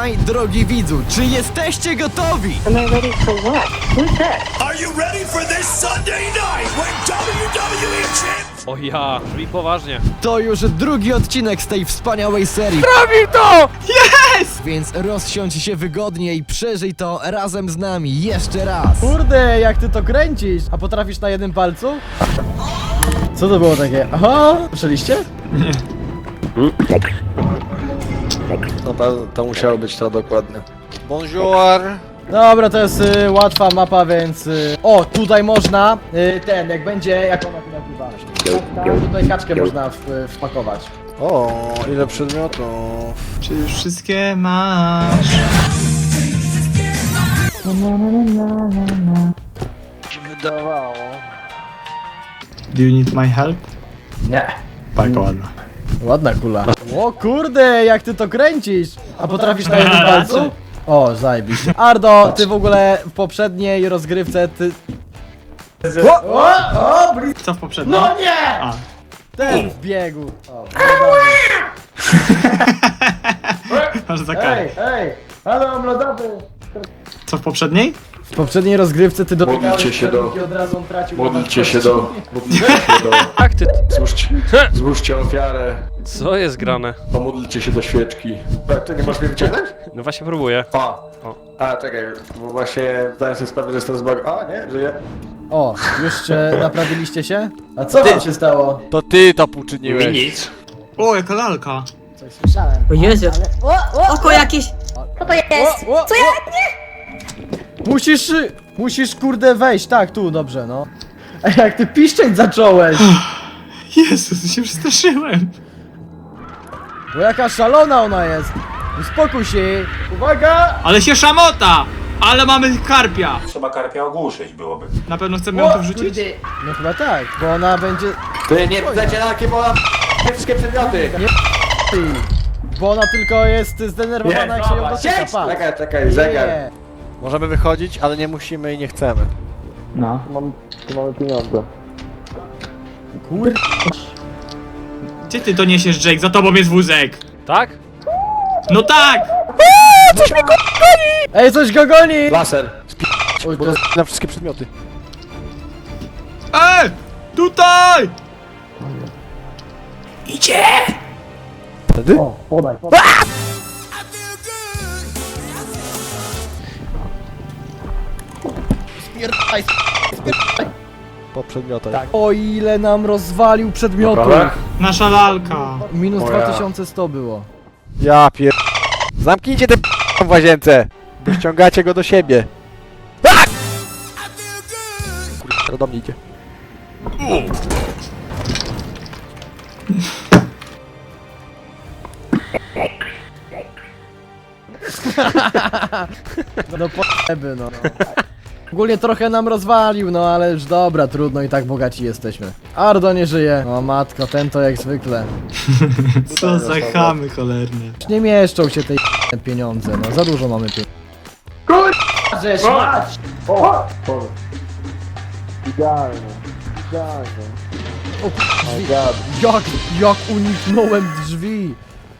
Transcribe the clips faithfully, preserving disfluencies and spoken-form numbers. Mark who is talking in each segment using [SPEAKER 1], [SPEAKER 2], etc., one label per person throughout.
[SPEAKER 1] Słuchaj, drogi widzu, czy jesteście gotowi?
[SPEAKER 2] Am I ready for what? Who's that?
[SPEAKER 3] Are you ready for this Sunday night when W W E Champ...
[SPEAKER 4] O ja, brzmi poważnie.
[SPEAKER 1] To już drugi odcinek z tej wspaniałej serii.
[SPEAKER 4] Robi to!
[SPEAKER 1] Więc rozsiądź się wygodnie i przeżyj to razem z nami jeszcze raz.
[SPEAKER 5] Kurde, jak ty to kręcisz? A potrafisz na jednym palcu? Co to było takie? Aha! Słyszeliście?
[SPEAKER 6] No to, to musiało być to dokładnie. Bonjour!
[SPEAKER 5] Dobra, to jest y, łatwa mapa, więc... Y, o, tutaj można, y, ten, jak będzie, jak ona tu nazywa? Tam tutaj kaczkę można w, y, wpakować.
[SPEAKER 6] O, ile przedmiotów.
[SPEAKER 7] Czy już wszystkie masz?
[SPEAKER 6] Wydawało.
[SPEAKER 7] Do you need my help?
[SPEAKER 5] Nie.
[SPEAKER 7] Tak, ładna.
[SPEAKER 5] Ładna kula. O kurde, jak ty to kręcisz? A potrafisz na jednym palcu? O, zajebiście. Ardo, ty w ogóle w poprzedniej rozgrywce, ty... O, o, o, blis...
[SPEAKER 7] Co w poprzednim?
[SPEAKER 5] No nie!
[SPEAKER 7] A.
[SPEAKER 5] Ten w biegu. O,
[SPEAKER 7] Masz za
[SPEAKER 5] ej,
[SPEAKER 7] karę.
[SPEAKER 5] ej, halo, mlodowy.
[SPEAKER 7] Co w poprzedniej?
[SPEAKER 5] W poprzedniej rozgrywce ty dotykałeś
[SPEAKER 8] Modlcie się do-
[SPEAKER 5] i od razu on tracił
[SPEAKER 8] Modlcie się do... Modlcie się do...
[SPEAKER 4] Jak ty...
[SPEAKER 8] Złóżcie, złóżcie ofiarę.
[SPEAKER 4] Co jest grane?
[SPEAKER 8] Pomódlcie się do świeczki. Tak, ty nie możesz mnie wyciągnąć?
[SPEAKER 4] No właśnie próbuję.
[SPEAKER 8] O!
[SPEAKER 4] O.
[SPEAKER 8] A, czekaj, bo właśnie zdałem sobie sprawę, że jestem zbag... A, nie, żyję.
[SPEAKER 5] O, już e, naprawiliście się? A co wam się stało?
[SPEAKER 6] To ty to uczyniłeś.
[SPEAKER 8] Nic.
[SPEAKER 7] O, jaka lalka.
[SPEAKER 5] Coś słyszałem.
[SPEAKER 9] O Jezu. Oko jakieś.
[SPEAKER 2] Co to jest?
[SPEAKER 5] O, o,
[SPEAKER 2] Co ja?
[SPEAKER 5] Musisz, y, musisz kurde wejść, tak, tu, dobrze, no. A jak ty piszczeć zacząłeś?
[SPEAKER 7] Jezus, się przestraszyłem.
[SPEAKER 5] Bo jaka szalona ona jest. Uspokój się. Uwaga!
[SPEAKER 7] Ale się szamota! Ale mamy karpia.
[SPEAKER 3] Trzeba karpia ogłuszyć byłoby.
[SPEAKER 7] Na pewno chcemy ją tu wrzucić?
[SPEAKER 5] No chyba tak, bo ona będzie...
[SPEAKER 8] Ty nie wlecie na jakie, bo mam wszystkie przedmioty.
[SPEAKER 5] Ty, bo ona tylko jest zdenerwowana, jak się ją dotyka, pa.
[SPEAKER 8] Czekaj, czekaj, zegar.
[SPEAKER 5] Nie.
[SPEAKER 6] Możemy wychodzić, ale nie musimy i nie chcemy.
[SPEAKER 7] No.
[SPEAKER 6] Mam, tu mamy pieniądze.
[SPEAKER 5] Kur...
[SPEAKER 7] Gdzie ty to niesiesz, Jake? Za tobą jest wózek.
[SPEAKER 4] Tak?
[SPEAKER 7] No tak!
[SPEAKER 5] Ej, coś go goni!
[SPEAKER 8] Laser.
[SPEAKER 5] Oj,
[SPEAKER 6] Bo
[SPEAKER 5] to...
[SPEAKER 6] to na wszystkie przedmioty.
[SPEAKER 7] Ej! Tutaj!
[SPEAKER 6] Wtedy?
[SPEAKER 5] O, podaj, podaj. Spierdaj,
[SPEAKER 6] Po przedmiotach.
[SPEAKER 5] tak. O ile nam rozwalił przedmiotów.
[SPEAKER 8] Naprawdę?
[SPEAKER 7] Nasza lalka.
[SPEAKER 5] Minus
[SPEAKER 8] O ja.
[SPEAKER 5] dwa tysiące sto było.
[SPEAKER 6] Ja pier... Zamknijcie te p***ą w łazience! Bo ściągacie go do siebie. Tak! Kurwa, do mnie idzie.
[SPEAKER 5] No po***by, no. Ogólnie trochę nam rozwalił, no ale już dobra, trudno i tak bogaci jesteśmy. Ardo nie żyje. O matko, ten to jak zwykle.
[SPEAKER 7] Co za chamy cholerne.
[SPEAKER 5] Już nie mieszczą się tej pieniądze, no za dużo mamy pieniędzy. Kurwa, żeś mać!
[SPEAKER 6] Idealnie. Idealnie.
[SPEAKER 5] O drzwi. Jak, jak uniknąłem drzwi?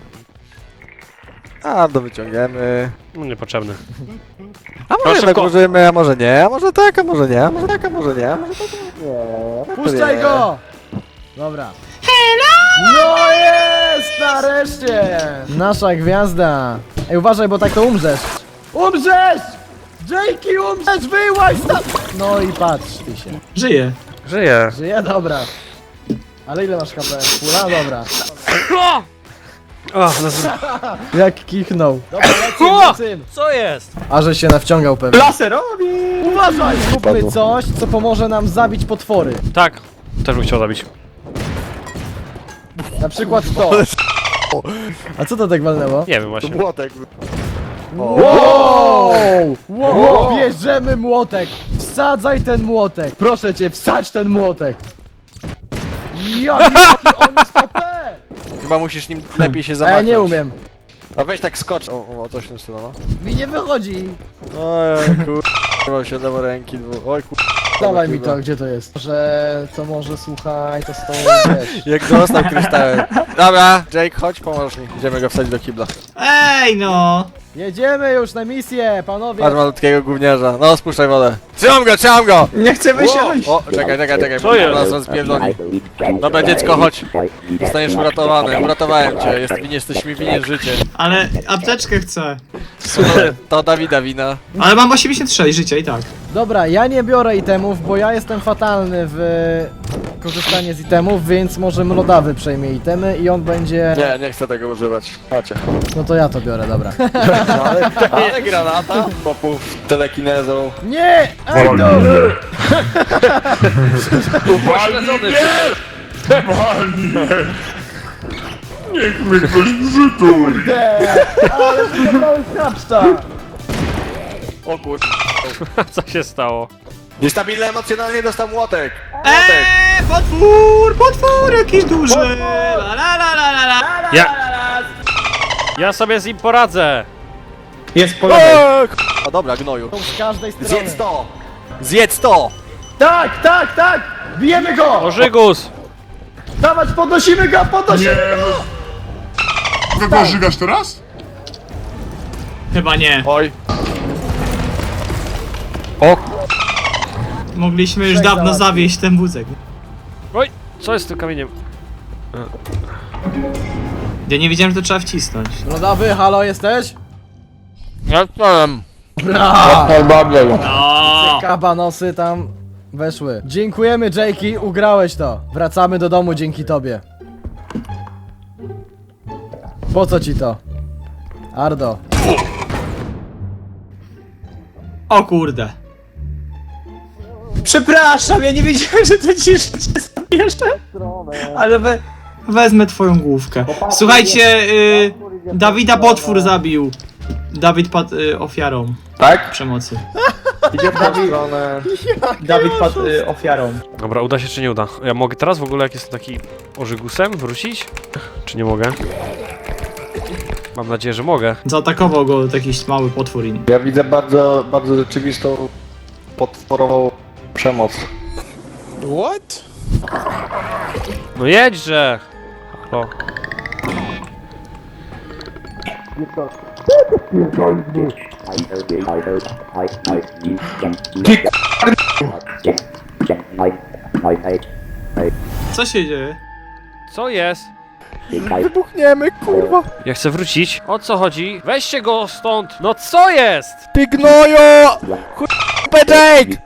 [SPEAKER 6] A, do wyciągniemy.
[SPEAKER 4] No niepotrzebny.
[SPEAKER 6] A może
[SPEAKER 4] Proszę,
[SPEAKER 6] jednak
[SPEAKER 4] ko-
[SPEAKER 6] użyjemy, a może nie, a może tak, a może nie, a może tak, a może nie, a może tak, nie.
[SPEAKER 5] Puszczaj go! Dobra. No jest! Nareszcie! Nasza gwiazda. Ej, uważaj, bo tak to umrzesz. Umrzesz! Jakey, umrzesz! Wyłaź tam! No i patrz ty się.
[SPEAKER 7] Żyje.
[SPEAKER 4] Żyję.
[SPEAKER 5] Żyje? Dobra. Ale ile masz H P? Pula? Dobra.
[SPEAKER 4] O, no, z-
[SPEAKER 5] Jak kichnął. Dobra,
[SPEAKER 4] O!
[SPEAKER 5] lecimy, lecimy.
[SPEAKER 4] co jest?
[SPEAKER 5] A że się nawciągał pewnie.
[SPEAKER 7] Laserowi!
[SPEAKER 5] Uważaj! Zróbmy coś, co pomoże nam zabić potwory.
[SPEAKER 4] Tak. Też bym chciał zabić.
[SPEAKER 5] Na przykład to. A co to tak walnęło?
[SPEAKER 4] Nie wiem właśnie.
[SPEAKER 6] Młotek.
[SPEAKER 5] Wow! Wow! Bierzemy młotek! Wsadzaj ten młotek! Proszę cię, wsadź ten młotek! Jak on jest O P!
[SPEAKER 6] Chyba musisz nim lepiej się
[SPEAKER 5] A ja
[SPEAKER 6] zamachnąć.
[SPEAKER 5] nie umiem.
[SPEAKER 6] A weź tak skocz. O, o, coś w tym stylu, no.
[SPEAKER 5] Mi nie wychodzi.
[SPEAKER 6] Oj, kurwa, się dało ręki dwu. Oj, kurwa.
[SPEAKER 5] Dawaj mi to, gdzie to jest? Że to może słuchaj, to z tą wiesz.
[SPEAKER 6] Jak dostał kryształem. Dobra, Jake, chodź, pomożesz mi. Idziemy go wsadzić do kibla.
[SPEAKER 7] Ej no!
[SPEAKER 5] Jedziemy już na misję, panowie.
[SPEAKER 6] Patrz malutkiego gówniarza. No, spuszczaj wodę. Trzymam go, trzymam go!
[SPEAKER 7] Nie chcę wysiąść!
[SPEAKER 6] O, czekaj, czekaj, czekaj.
[SPEAKER 4] Co jest?
[SPEAKER 6] Nas rozpierdoli. Dobra, dziecko, chodź. Zostaniesz uratowany. Uratowałem cię. Jest, jesteś mi winien życie.
[SPEAKER 7] Ale apteczkę chcę.
[SPEAKER 6] To Dawida wina.
[SPEAKER 7] Ale mam osiemdziesiąt sześć życia i tak.
[SPEAKER 5] Dobra, ja nie biorę itemów, bo ja jestem fatalny w korzystanie z itemów, więc może Mlodawy przejmie itemy i on będzie...
[SPEAKER 6] Nie, nie chcę tego używać. Chodźcie.
[SPEAKER 5] No to ja to biorę, dobra.
[SPEAKER 6] Ale, ale granata? Popów telekinezą.
[SPEAKER 5] Nie! Ej, no! Ale wyglądałeś krapszta!
[SPEAKER 6] O kur...
[SPEAKER 4] Co się stało?
[SPEAKER 6] Niestabilny emocjonalnie dostał młotek. Młotek.
[SPEAKER 7] Eee, potwór, potwór jakiś duży. La la la la la la.
[SPEAKER 4] Ja... Ja sobie z nim poradzę!
[SPEAKER 7] Jest po
[SPEAKER 6] O, k- O dobra, gnoju.
[SPEAKER 5] Z każdej strony.
[SPEAKER 6] Zjedz to! Zjedz to!
[SPEAKER 5] Tak, tak, tak! Bijemy go!
[SPEAKER 4] Ożygus!
[SPEAKER 5] Dawać, podnosimy go, podnosimy go!
[SPEAKER 3] Ty go żygasz teraz?
[SPEAKER 7] Chyba nie.
[SPEAKER 6] Oj.
[SPEAKER 4] O!
[SPEAKER 7] Mogliśmy już
[SPEAKER 5] Trzech
[SPEAKER 7] dawno
[SPEAKER 5] załatwił.
[SPEAKER 7] zawieść ten wózek.
[SPEAKER 4] Oj! Co jest z tym kamieniem?
[SPEAKER 7] Ja nie wiedziałem, że to trzeba wcisnąć.
[SPEAKER 5] Mlodawy, halo, jesteś?
[SPEAKER 6] Ja powiem.
[SPEAKER 7] O!
[SPEAKER 5] Kabanosy tam weszły. Dziękujemy, Jakey, ugrałeś to. Wracamy do domu dzięki tobie. Po co ci to? Ardo.
[SPEAKER 7] O kurde. Przepraszam, ja nie wiedziałem, że to ci jeszcze zabierze. Ale we, wezmę twoją główkę. Słuchajcie, y, Dawida potwór zabił. Dawid padł y, ofiarą
[SPEAKER 6] Tak?
[SPEAKER 7] przemocy.
[SPEAKER 6] Idzie w tą stronę.
[SPEAKER 7] Dawid padł y, ofiarą.
[SPEAKER 4] Dobra, uda się czy nie uda? Ja mogę teraz w ogóle, jak jestem taki ożygusem, wrócić? Czy nie mogę? Mam nadzieję, że mogę.
[SPEAKER 7] Zaatakował go jakiś mały potwór inny.
[SPEAKER 8] Ja widzę bardzo, bardzo rzeczywistą potworową przemoc.
[SPEAKER 4] No jedźże! Halo.
[SPEAKER 7] Co się dzieje?
[SPEAKER 4] Co jest?
[SPEAKER 6] Wybuchniemy, kurwa.
[SPEAKER 4] Ja chcę wrócić. O co chodzi? Weźcie go stąd! No co jest?
[SPEAKER 6] Ty gnoju! Kurwa, Jake!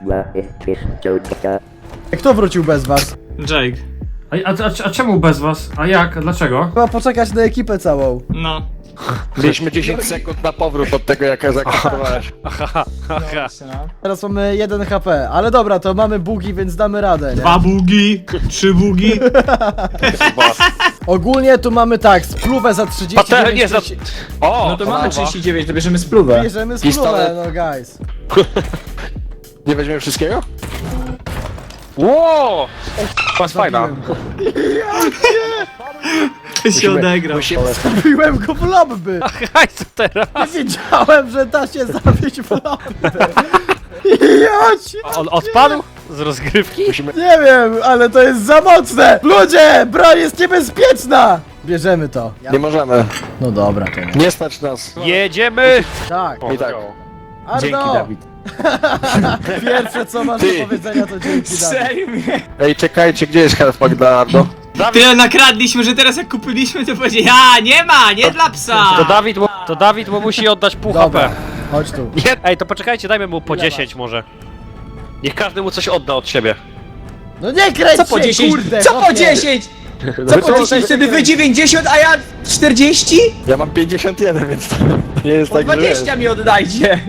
[SPEAKER 5] Kto wrócił bez was?
[SPEAKER 7] Jake.
[SPEAKER 10] A, a, a, a czemu bez was? A jak? Dlaczego?
[SPEAKER 5] Chyba poczekać na ekipę całą.
[SPEAKER 7] No.
[SPEAKER 6] Mieliśmy dziesięć sekund na powrót od tego, jak zakończyłeś.
[SPEAKER 4] Aha, aha.
[SPEAKER 5] Teraz mamy jeden H P, ale dobra, to mamy bugi, więc damy radę, nie?
[SPEAKER 7] Dwa bugi, trzy bugi.
[SPEAKER 5] Ogólnie tu mamy tak, spluwę za trzydzieści
[SPEAKER 4] Patelnię
[SPEAKER 5] dziewięć
[SPEAKER 4] za...
[SPEAKER 5] tysięcy-
[SPEAKER 4] O!
[SPEAKER 7] No to mamy trzydzieści dziewięć, to bierzemy spluwę.
[SPEAKER 5] Bierzemy spluwę,
[SPEAKER 6] Pistolet.
[SPEAKER 5] no guys.
[SPEAKER 6] Nie weźmiemy wszystkiego?
[SPEAKER 4] Ło! Jest fajna.
[SPEAKER 7] się odegrał.
[SPEAKER 6] Musimy...
[SPEAKER 5] Zabiłem go w lobby!
[SPEAKER 4] Haj, co teraz?
[SPEAKER 5] Nie wiedziałem, że da się zabić w lobby. Ja ci...
[SPEAKER 4] On odpadł? Z rozgrywki?
[SPEAKER 5] Nie wiem, ale to jest za mocne! Ludzie, broń jest niebezpieczna! Bierzemy to.
[SPEAKER 6] Nie możemy.
[SPEAKER 5] No dobra, to nie.
[SPEAKER 6] Nie stać nas.
[SPEAKER 4] Jedziemy!
[SPEAKER 5] Tak.
[SPEAKER 6] I tak.
[SPEAKER 5] Ardo!
[SPEAKER 7] Dzięki, Dawid.
[SPEAKER 5] Pierwsze co masz
[SPEAKER 6] Ty.
[SPEAKER 5] do powiedzenia to dzięki, Dawid.
[SPEAKER 7] Sejmie.
[SPEAKER 6] Ej, czekajcie, gdzie jest healthpack dla Ardo?
[SPEAKER 7] Tyle nakradliśmy, że teraz jak kupiliśmy, to powiedzieli, a nie ma, nie dla psa.
[SPEAKER 4] To Dawid, mu- to Dawid mu musi oddać pół
[SPEAKER 5] Dobra,
[SPEAKER 4] H P.
[SPEAKER 5] chodź tu.
[SPEAKER 4] Nie, ej, to poczekajcie, dajmy mu po dziesięć może. Niech każdy mu coś odda od siebie.
[SPEAKER 5] No nie kręć
[SPEAKER 7] Co po
[SPEAKER 5] się,
[SPEAKER 7] dziesięć?
[SPEAKER 5] kurde!
[SPEAKER 7] Co po
[SPEAKER 5] chłopie.
[SPEAKER 7] dziesięć? Co po dziesięć? Wtedy wy dziewięćdziesiąt, a ja czterdzieści?
[SPEAKER 6] Ja mam pięćdziesiąt jeden, więc to nie jest
[SPEAKER 7] Po
[SPEAKER 6] tak, że wiesz.
[SPEAKER 7] dwadzieścia mi oddajcie.